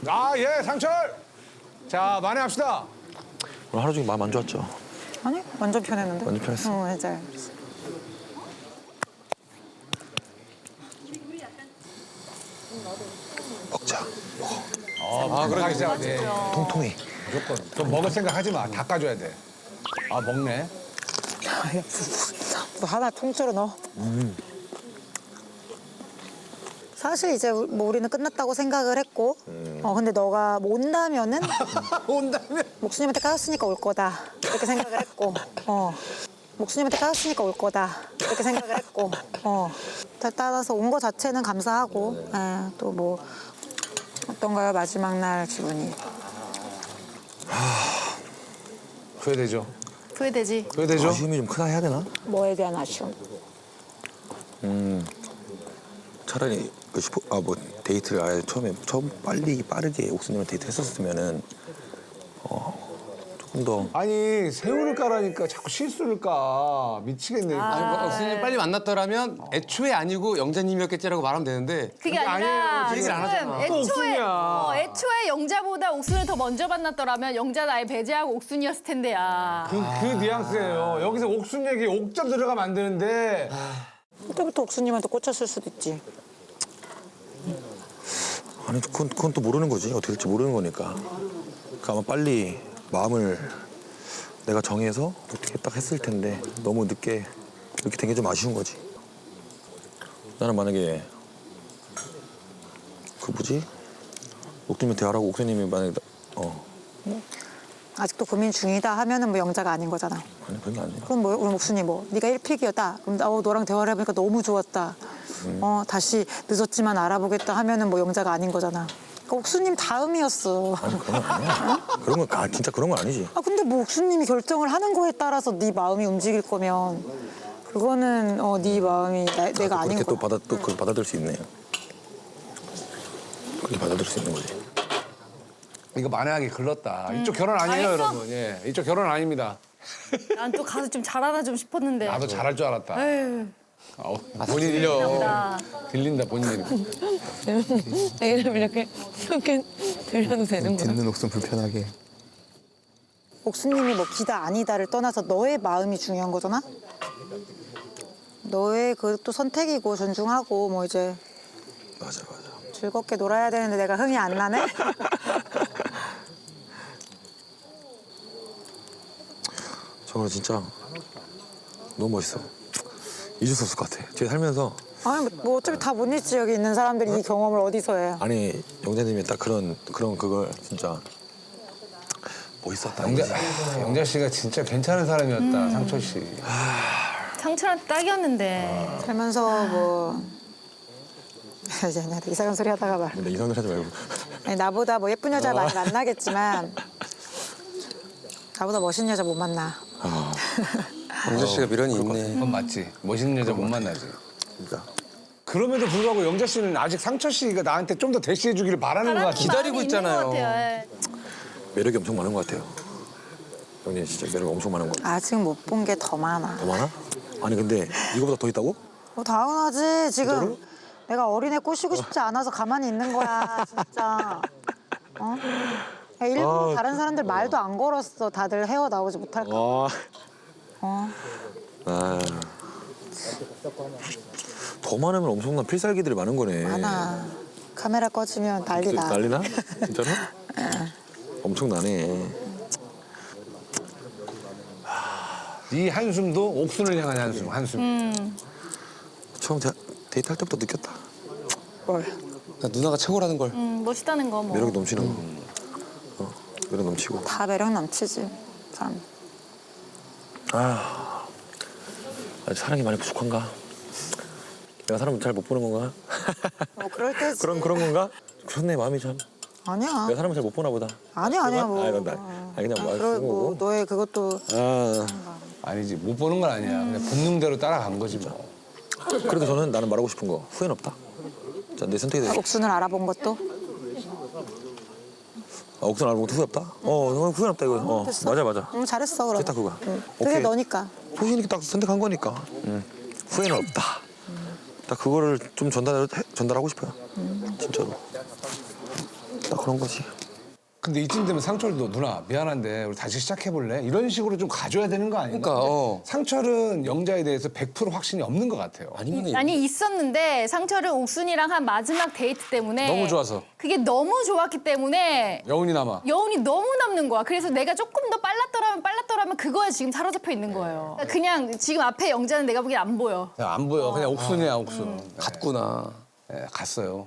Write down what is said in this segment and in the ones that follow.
아, 예, 상철. 자, 만회합시다. 오늘 하루 종일 마음 안 좋았죠? 아니 완전 편했는데. 완전 편했어. 맞아요. 먹자. 아, 그러기 시작. 네. 통통해. 무조건. 좀 먹을 생각 하지 마. 닦아줘야 돼. 아, 먹네. 뭐 하나 통째로 넣어. 사실 이제 뭐 우리는 끝났다고 생각을 했고, 근데 너가 뭐 온다면은 온다면? 목수님한테 까였으니까 올 거다 이렇게 생각을 했고, 목수님한테 까였으니까 올 거다 이렇게 생각을 했고, 따라서 온 거 자체는 감사하고, 또 뭐 어떤가요 마지막 날 기분이? 후회되죠. 후회되지. 후회되죠. 아쉬움이 좀 크다 해야 되나? 뭐에 대한 아쉬움? 차라리 그 뭐 데이트를 아예 처음 빠르게 옥수님을 데이트 했었으면은 조금 더 아니, 새우를 까라니까 자꾸 실수를 까. 미치겠네. 아니, 옥수님 빨리 만났더라면 애초에 아니고 영자님이었겠지라고 말하면 되는데 그게 아니에요. 아니라 그 얘기를 지금 안 하잖아. 또 애초에 옥순이야. 애초에 영자보다 옥순을 더 먼저 만났더라면 영자는 아예 배제하고 옥순이었을 텐데야. 그 뉘앙스예요. 여기서 옥순 얘기 옥점 들어가면 안 되는데. 그때부터 옥수님한테 꽂혔을 수도 있지. 아니 그건 또 모르는 거지. 어떻게 될지 모르는 거니까. 그러니까 아마 빨리 마음을 내가 정해서 어떻게 딱 했을 텐데 너무 늦게 이렇게 된 게 좀 아쉬운 거지. 나는 만약에 그 뭐지? 옥수님이 대화라고 옥수님이 만약에 아직도 고민 중이다 하면은 뭐 영자가 아닌 거잖아. 아니 그런 게 아니라 그럼 뭐 우리 목순이 뭐 네가 1픽이었다. 그럼 너랑 대화를 해보니까 너무 좋았다. 다시 늦었지만 알아보겠다 하면은 뭐 영자가 아닌 거잖아. 그러니까 옥수님 다음이었어. 아니 그런 건 아니야. 그런 건 진짜 그런 건 아니지. 아 근데 뭐 옥수님이 결정을 하는 거에 따라서 네 마음이 움직일 거면 그거는 네 마음이 내가 아닌 그렇게 거야. 또 그걸 받아들일 수 있네요. 그렇게 받아들일 수 있는 거지. 이거 만회하기 글렀다. 이쪽 결혼 아니에요, 알겠어? 여러분. 예, 이쪽 결혼 아닙니다. 난 또 가서 좀 잘하나 좀 싶었는데. 나도 잘할 줄 알았다. 에휴, 본인 들려. 나. 들린다, 본인이. 내 이름 이렇게 들려도 되는 거야? 듣는 옥순 불편하게. 옥수님이 뭐 기다 아니다를 떠나서 너의 마음이 중요한 거잖아. 너의 그것도 선택이고 존중하고 뭐 이제 맞아. 즐겁게 놀아야 되는데 내가 흥이 안 나네. 저거 진짜 너무 멋있어. 잊을 수 없을 것 같아. 제가 살면서 아니 뭐 어차피 다 못 잊지 여기 있는 사람들이 이 경험을 어디서 해. 아니 영자님이 딱 그런 그걸 진짜 멋있었다. 영자 씨가 진짜 괜찮은 사람이었다, 상철 씨. 상철한테 딱이었는데. 살면서 뭐 이제 나한테 이상한 소리 하다가 말. 근데 이상한 소리 하지 말고. 아니, 나보다 뭐 예쁜 여자 많이 만나겠지만 나보다 멋있는 여자 못 만나. 영자 씨가 미련이 있네. 그건 맞지. 멋있는 여자 못 만나지. 그러니까 그럼에도 불구하고 영자 씨는 아직 상철 씨가 나한테 좀 더 대시해 주기를 바라는 것 같아. 기다리고 마음이 있는 있잖아요. 것 같아요. 예. 매력이 엄청 많은 것 같아요. 영자 진짜 매력 엄청 많은 것 같아. 아직 못 본 게 더 많아. 더 많아? 아니 근데 이거보다 더 있다고? 당연하지. 지금 진짜로? 내가 어린애 꼬시고 싶지 않아서 가만히 있는 거야. 진짜. 야, 일부러 다른 사람들 말도 안 걸었어. 다들 헤어나오지 못할까. 더 많으면 엄청난 필살기들이 많은 거네. 많아. 카메라 꺼지면 난리나. 난리나? 진짜로? 엄청나네. 이 한숨도 옥순을 향한 한숨. 처음 데이트 할 때부터 느꼈다. 뭘. 나 누나가 최고라는 걸. 멋있다는 거 뭐. 매력이 넘치는 거. 매력 넘치고. 다 매력 넘치지. 사람. 아직 사랑이 많이 부족한가? 내가 사람 잘 못 보는 건가? 뭐 그럴 때지. 그런 건가? 그렇네 마음이 참. 아니야. 내가 사람을 잘 못 보나 보다. 아니야 뭐. 그냥 뭐 그리고 쓰고. 뭐 너의 그것도 아니지, 못 보는 건 아니야. 그냥 본능대로 따라간 거지 뭐. 그래도 나는 말하고 싶은 거 후회는 없다. 자, 내 선택이 돼. 옥순을 알아본 것도 옥선 알고 후회 없다? 후회 없다 이거. 됐어. 맞아. 잘했어 그럼. 됐다 그거야. 그게 오케이. 너니까. 소신 있게 딱 선택한 거니까. 후회는 없다. 딱 그거를 좀 전달하고 싶어요. 진짜로. 딱 그런 거지. 근데 이쯤 되면 상철도 누나 미안한데 우리 다시 시작해볼래? 이런 식으로 좀 가져야 되는 거 아닌가? 그러니까, 상철은 영자에 대해서 100% 확신이 없는 것 같아요. 아니 있었는데 상철은 옥순이랑 한 마지막 데이트 때문에 너무 좋아서. 그게 너무 좋았기 때문에 여운이 남아. 여운이 너무 남는 거야. 그래서 내가 조금 더 빨랐더라면 그거에 지금 사로잡혀 있는 거예요. 그냥 지금 앞에 영자는 내가 보기엔 안 보여. 그냥 안 보여. 그냥 옥순이야 옥순. 갔구나. 네, 갔어요.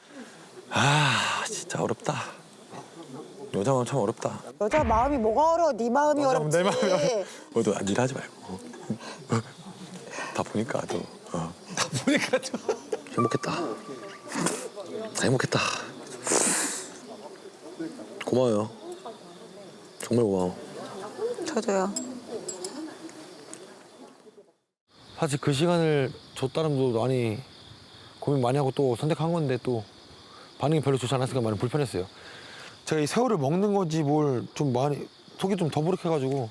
아 진짜 어렵다. 여자 마음 참 어렵다. 여자 마음이 뭐가 어려워? 네 마음이 어렵지. 내 마음이 너도 일 하지 말고. 다 보니까 또 다 보니까 좀. 행복했다. 행복했다. 고마워요. 정말 고마워. 저도요. 사실 그 시간을 줬다는 것도 많이 고민 많이 하고 또 선택한 건데 또 반응이 별로 좋지 않았으니까 많이 불편했어요. 제가 이 새우를 먹는 건지 뭘 좀 많이 속이 좀 더부룩해가지고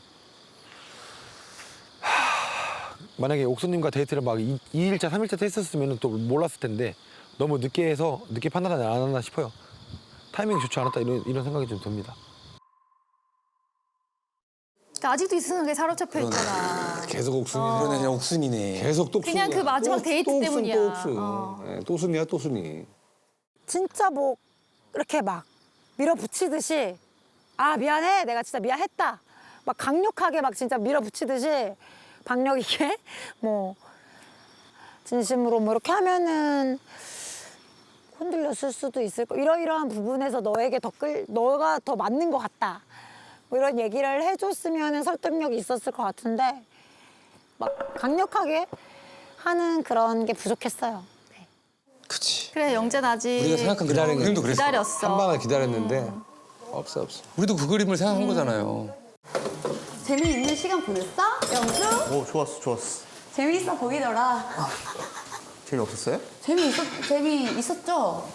만약에 옥수님과 데이트를 막 2일차, 3일차 했었으면 또 몰랐을 텐데 너무 늦게 해서 늦게 판단하지 않았나 싶어요. 타이밍이 좋지 않았다 이런 생각이 좀 듭니다. 그러니까 아직도 이 생각에 사로잡혀 있잖아. 계속 옥순이. 그러네, 그냥 옥순이네. 계속 또 그냥 그 마지막 데이트 또 때문이야. 옥순, 또 옥순. 네, 또 순이야 또 순이. 진짜 뭐 이렇게 막 밀어붙이듯이 아 미안해 내가 진짜 미안했다 막 강력하게 막 진짜 밀어붙이듯이 박력 있게 뭐 진심으로 뭐 이렇게 하면은 흔들렸을 수도 있을 거 이러이러한 부분에서 너에게 너가 더 맞는 것 같다 뭐 이런 얘기를 해줬으면 설득력이 있었을 것 같은데 막 강력하게 하는 그런 게 부족했어요. 네. 그치. 그래 영자는 아직 우리가 생각한 그림도 그랬어. 기다렸어. 한 방을 기다렸는데 없어. 우리도 그 그림을 생각한 거잖아요. 재미있는 시간 보냈어? 영수? 오 좋았어. 재미있어 보이더라. 재미없었어요? 재미있었죠?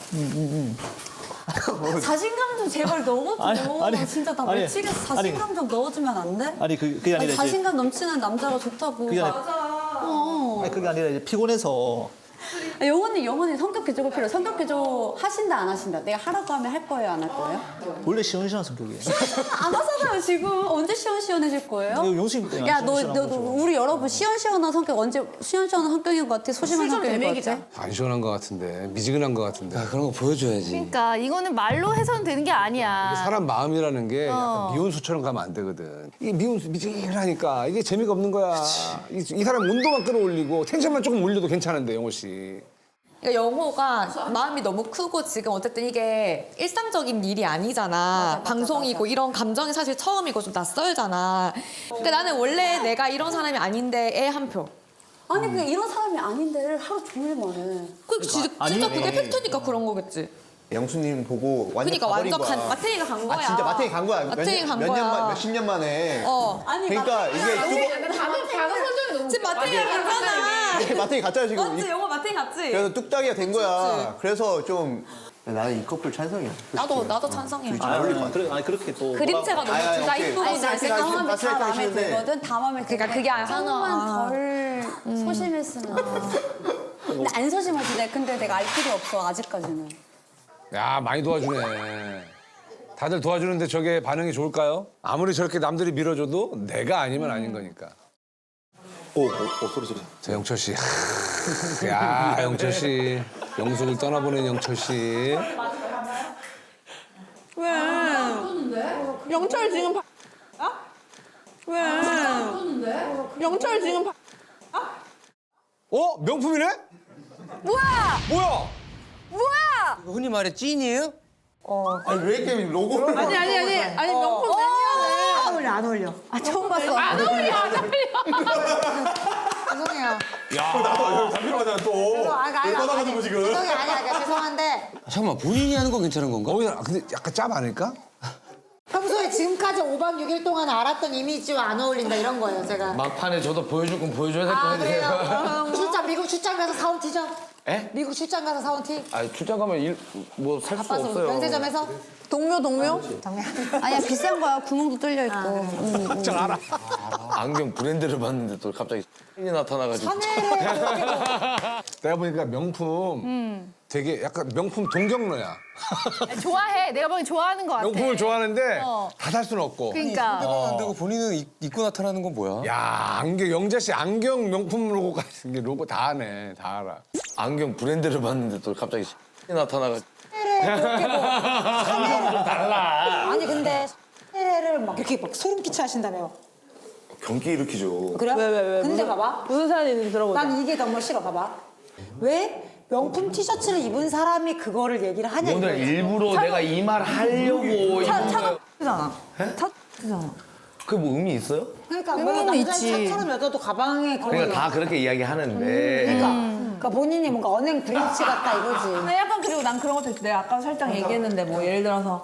자신감 좀 제발 넣어줘. 아니, 진짜 나 아니, 미치겠어. 자신감 좀 넣어주면 안 돼? 아니 그게 아니라 이제 자신감 넘치는 남자가 좋다고. 그게 맞아. 그게 아니라 이제 피곤해서 영원히 성격 개조가 필요해. 성격 개조 하신다 안 하신다? 내가 하라고 하면 할 거예요 안 할 거예요? 원래 시원시원한 성격이에요. 안 하잖아요 지금. 언제 시원시원해질 거예요? 이거 용수님 때문에 야, 안 너 시원시원한 거죠. 우리 여러분 시원시원한 성격 언제 시원시원한 성격인 것 같아? 소심한 성격인 것 같아? 안 시원한 것 같은데 미지근한 것 같은데. 아, 그런 거 보여줘야지. 그러니까 이거는 말로 해서는 되는 게 아니야. 사람 마음이라는 게 약간 미운수처럼 가면 안 되거든. 이게 미운수 미지근하니까 이게 재미가 없는 거야. 이 사람 온도만 끌어올리고 텐션만 조금 올려도 괜찮은데 영호 씨. 그러니까 영호가 마음이 너무 크고 지금 어쨌든 이게 일상적인 일이 아니잖아. 방송이고 이런 감정이 사실 처음이고 좀 낯설잖아. 그러니까 나는 원래 내가 이런 사람이 아닌데 애 한 표. 아니 그냥 이런 사람이 아닌데를 하루 종일만 해. 진짜 그게 팩트니까 그런 거겠지. 영수님 보고 완전 그러니까 가버린 완전 거야. 마탱이가 간 거야. 아 진짜 마탱이 간 거야. 마탱이 간 몇 거야. 년 만, 몇십 년 만에. 아니 그러니까 이게 지금 마탱이가 갔잖아. 마탱이 갔잖아 지금. 맞지? 영호 마탱이 갔지? 그래서 뚝딱이가 된 거야. 그래서 좀 나는 이 커플 찬성이야. 나도 찬성이야. 잘 어울릴 것 같아. 아니 그렇게 또 그림체가 너무 둘 다 오케이. 이쁘고 아니, 잘생겼어. 마음이 다 가스라이팅 마음에 하시는데. 들거든. 다 마음에 들어. 그러니까 그게 조금만 덜 소심했으면. 근데 안 소심하지. 근데 내가 알 필요 없어 아직까지는. 야 많이 도와주네. 다들 도와주는데 저게 반응이 좋을까요? 아무리 저렇게 남들이 밀어줘도 내가 아니면 아닌 거니까. 오 소리. 자 영철 씨. 야 영철 씨. 영숙을 떠나보낸 영철 씨. 왜? 영철 지금 왜? 영철 지금 어 명품이네? 뭐야? 흔히 말해 찐이에요? 아니 왜 이렇게 로고를. 아니 명품 안 어울려. 아 처음 봤어. 안 어울려. 죄송해요. 나도 담배로 가잖아 또. 떠나가지고 지금. 죄송해요. 아니야. 죄송한데 잠깐만, 본인이 하는 건 괜찮은 건가? 근데 약간 짭 아닐까? 평소에 지금까지 5박 6일 동안 알았던 이미지와 안 어울린다 이런 거예요, 제가. 막판에 저도 보여줄 건 보여줘야 될 거 아, 같아요. 그래요? 미국 출장 가서 사온 티죠? 에? 미국 출장 가서 사온 티? 아 출장 가면 뭐 살 수 바빠서 없어요. 면세점에서? 동묘? 정말. 아니야 비싼 거야. 구멍도 뚫려 있고. 안경 브랜드를 봤는데 또 갑자기 이 나타나가지고. 샤넬에 내가 보니까 명품 되게 약간 명품 동경러야. 아니, 좋아해. 내가 보기엔 좋아하는 것 같아. 명품을 좋아하는데 어. 다 살 수는 없고. 그러니까. 안 되고 본인은 입고 나타나는 건 뭐야? 야 안경 영자 씨 안경 명품 로고까지 게 로고 다 하네. 다 알아. 안경 브랜드를 봤는데 또 갑자기 나타나가. 그렇게 뭐 달라. 아니 근데 를 막 이렇게 막 소름 끼쳐 하신다며. 경기 일으키죠. 그래? 왜? 근데 봐봐. 무슨 사연이 있는지 들어보자. 난 이게 너무 싫어. 봐봐. 왜 명품 티셔츠를 입은 사람이 그거를 얘기를 하냐 오늘 이거지. 일부러 내가 이 말 하려고 입은 거야. 차잖아. 차잖아. 그게 뭐 의미 있어요? 그러니까 뭐 남자 차처럼 여자도 가방에 그런 그러니까 거. 다 그렇게 이야기하는데. 그러니까 본인이 뭔가 언행 브랜치 같다 이거지. 근데 약간 그리고 난 그런 것도 있어. 내가 아까 살짝 얘기했는데 뭐 예를 들어서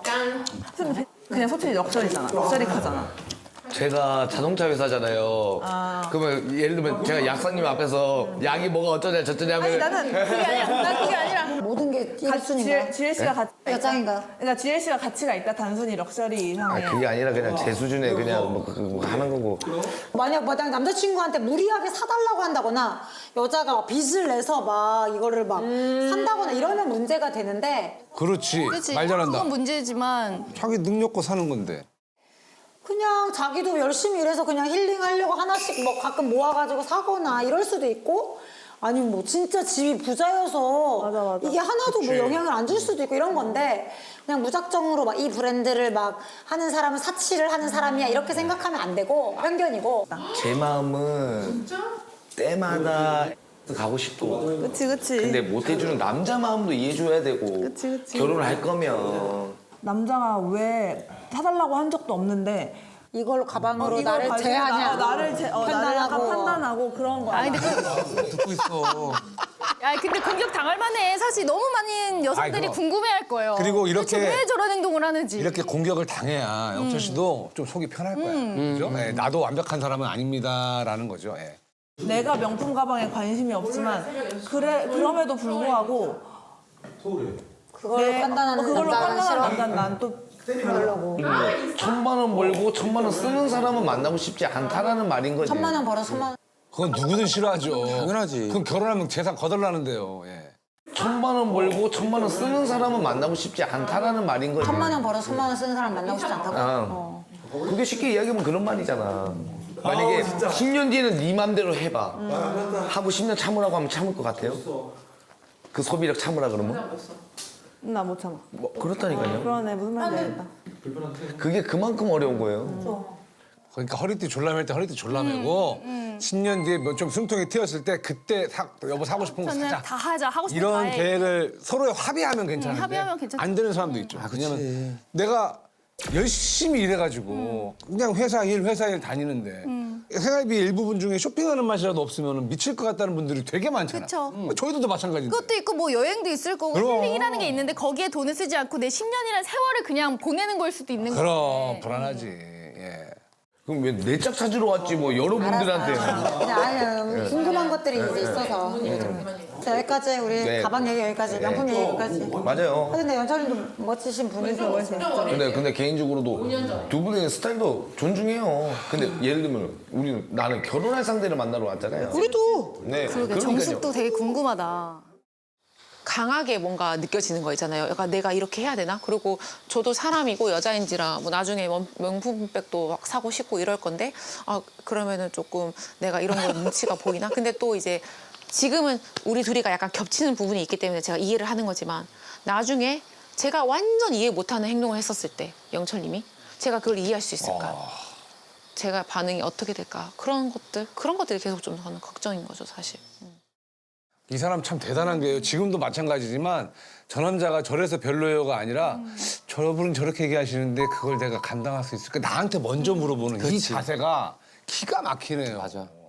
그냥 소출이 럭셔리잖아. 럭셔리 카잖아. 제가 자동차 회사잖아요. 그러면 예를 들면 제가 약사님 앞에서 약이 뭐가 어쩌냐 저쩌냐 하면 나는 그게 아니야. 난 그게 아니라 모든 게 1순위인가? GLC가 가치가 있다. 여장인가? 그러니까 GLC가 가치가 있다. 단순히 럭셔리 이상의. 그게 아니라 그냥 제 수준에 그냥 뭐 하는 거고. 만약 남자친구한테 무리하게 사달라고 한다거나 여자가 막 빚을 내서 막 이거를 막 산다거나 이러면 문제가 되는데 그렇지. 그치? 말 잘한다. 그건 문제지만 자기 능력껏 사는 건데. 그냥 자기도 열심히 일해서 그냥 힐링하려고 하나씩 뭐 가끔 모아가지고 사거나 이럴 수도 있고 아니면 뭐 진짜 집이 부자여서 이게 하나도 뭐 영향을 안 줄 수도 있고 이런 건데 그냥 무작정으로 막 이 브랜드를 막 하는 사람은 사치를 하는 사람이야 이렇게 생각하면 안 되고 편견이고. 제 마음은 때마다 가고 싶고. 그치. 근데 못 해주는 남자 마음도 이해해줘야 되고. 결혼을 할 거면. 남자가 왜 사달라고 한 적도 없는데 이걸로 가방으로 이걸 나를 가지고 제하냐 나를 약간 판단하고 그런 거야. 아니 근데 듣고 있어. 야 근데 공격 당할 만해. 사실 너무 많은 여성들이 아이고. 궁금해할 거예요. 그리고 이렇게- 도대체 왜 저런 행동을 하는지. 이렇게 공격을 당해야 영철 씨도 좀 속이 편할 거야. 그죠? 예, 나도 완벽한 사람은 아닙니다라는 거죠. 예. 내가 명품 가방에 관심이 없지만 그럼에도 불구하고 그걸로 판단하는 그걸로 남자는 판단하는 싫어. 남자는 난 또 별로고. 1,000만 원 벌고 1,000만 원 쓰는 사람은 만나고 싶지 않다라는 말인 거지. 1,000만 원 벌어 1,000만 원. 그건 누구든 싫어하죠. 당연하지. 그럼 결혼하면 재산 거덜나는데요. 예. 1,000만 원 벌고 1,000만 원 쓰는 사람은 만나고 싶지 않다라는 말인 거지. 1,000만 원 벌어 1,000만 원 쓰는 사람 만나고 싶지 않다고. 어. 그게 쉽게 이야기하면 그런 말이잖아. 만약에 10년 뒤에는 네 맘대로 해봐. 하고 10년 참으라고 하면 참을 것 같아요? 그 소비력 참으라 그러면? 나 못 참아. 뭐 그렇다니까요. 그러네 무슨 말인지 알겠다. 그게 그만큼 어려운 거예요. 그러니까 허리띠 졸라맬 때 허리띠 졸라매고 10년 뒤에 뭐 좀 숨통이 트였을 때 그때 여보 사고 싶은 거 저는 사자. 다 하자. 하고 싶은 거 이런 다 해. 계획을 서로 합의하면 괜찮은데 합의하면 괜찮지. 안 되는 사람도 있죠. 왜냐면 내가 열심히 일해가지고 그냥 회사 일 다니는데 생활비 일부분 중에 쇼핑하는 맛이라도 없으면 미칠 것 같다는 분들이 되게 많잖아. 그쵸. 저희들도 마찬가지인데. 그것도 있고 뭐 여행도 있을 거고 그럼. 힐링이라는 게 있는데 거기에 돈을 쓰지 않고 내 10년이라는 세월을 그냥 보내는 걸 수도 있는 그럼 거예요. 불안하지. 예. 그럼 왜 내 짝 찾으러 왔지 뭐 여러분들한테. 그냥 아니 궁금한 것들이 이제 있어서. 자, 여기까지 우리 네. 가방 얘기 여기까지 명품 얘기 여기까지. 맞아요. 근데 연철님도 멋지신 분이세요. 근데 개인적으로도 두 분의 스타일도 존중해요. 근데 예를 들면 나는 결혼할 상대를 만나러 왔잖아요. 우리도. 네. 그러게 그러니까요. 정숙도 되게 궁금하다. 강하게 뭔가 느껴지는 거 있잖아요. 약간 내가 이렇게 해야 되나? 그리고 저도 사람이고 여자인지라 뭐 나중에 명품백도 막 사고 싶고 이럴 건데 그러면은 조금 내가 이런 거 눈치가 보이나? 근데 또 이제 지금은 우리 둘이가 약간 겹치는 부분이 있기 때문에 제가 이해를 하는 거지만 나중에 제가 완전 이해 못하는 행동을 했었을 때 영철님이 제가 그걸 이해할 수 있을까? 제가 반응이 어떻게 될까? 그런 것들이 계속 좀 저는 걱정인 거죠, 사실. 이 사람 참 대단한 게요. 지금도 마찬가지지만 저 남자가 저래서 별로요가 아니라 저분은 저렇게 얘기하시는데 그걸 내가 감당할 수 있을까? 나한테 먼저 물어보는 이 자세가 기가 막히네요. 맞아.